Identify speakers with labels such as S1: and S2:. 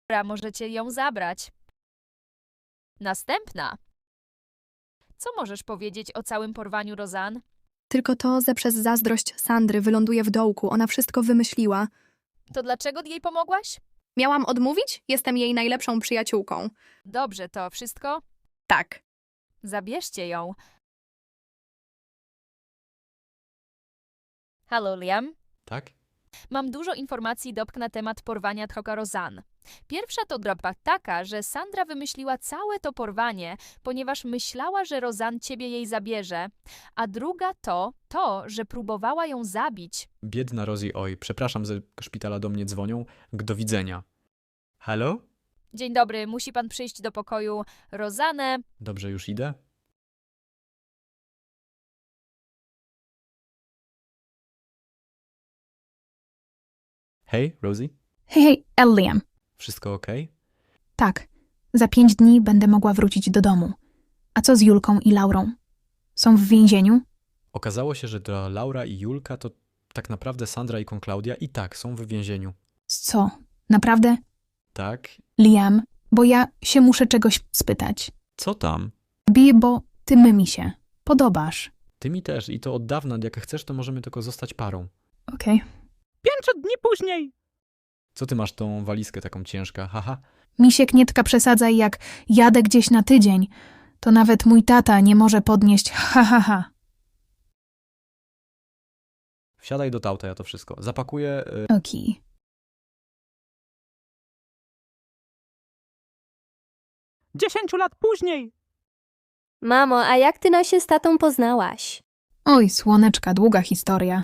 S1: Dobra, możecie ją zabrać. Następna. Co możesz powiedzieć o całym porwaniu Rozan?
S2: Tylko to, że przez zazdrość Sandry wyląduje w dołku. Ona wszystko wymyśliła.
S1: To dlaczego jej pomogłaś?
S2: Miałam odmówić? Jestem jej najlepszą przyjaciółką.
S1: Dobrze, to wszystko?
S2: Tak.
S1: Zabierzcie ją. Halo, Liam.
S3: Tak?
S1: Mam dużo informacji na temat porwania Troka Rozan. Pierwsza to droga taka, że Sandra wymyśliła całe to porwanie, ponieważ myślała, że Rozan ciebie jej zabierze. A druga to, że próbowała ją zabić.
S3: Biedna Rosie, oj, przepraszam, ze szpitala do mnie dzwonią. Do widzenia. Halo?
S1: Dzień dobry, musi pan przyjść do pokoju Rozanę.
S3: Dobrze, już idę? Hej, Rosie?
S4: Hej, Liam.
S3: Wszystko okej?
S4: Tak, za 5 dni będę mogła wrócić do domu. A co z Julką i Laurą? Są w więzieniu?
S3: Okazało się, że dla Laura i Julka to tak naprawdę Sandra i Klaudia i tak są w więzieniu.
S4: Co? Naprawdę?
S3: Tak?
S4: Liam, bo ja się muszę czegoś spytać.
S3: Co tam?
S4: Bo ty mi się podobasz.
S3: Ty mi też i to od dawna. Jak chcesz, to możemy tylko zostać parą.
S4: Okej.
S5: 5 dni później.
S3: Co ty masz tą walizkę taką ciężka? Haha.
S4: Misiek, nie tka przesadzaj, jak jadę gdzieś na tydzień. To nawet mój tata nie może podnieść ha.
S3: Wsiadaj do auta, ja to wszystko. Zapakuję...
S4: Okej.
S5: 10 lat później.
S6: Mamo, a jak ty się z tatą poznałaś?
S4: Oj, słoneczka, długa historia.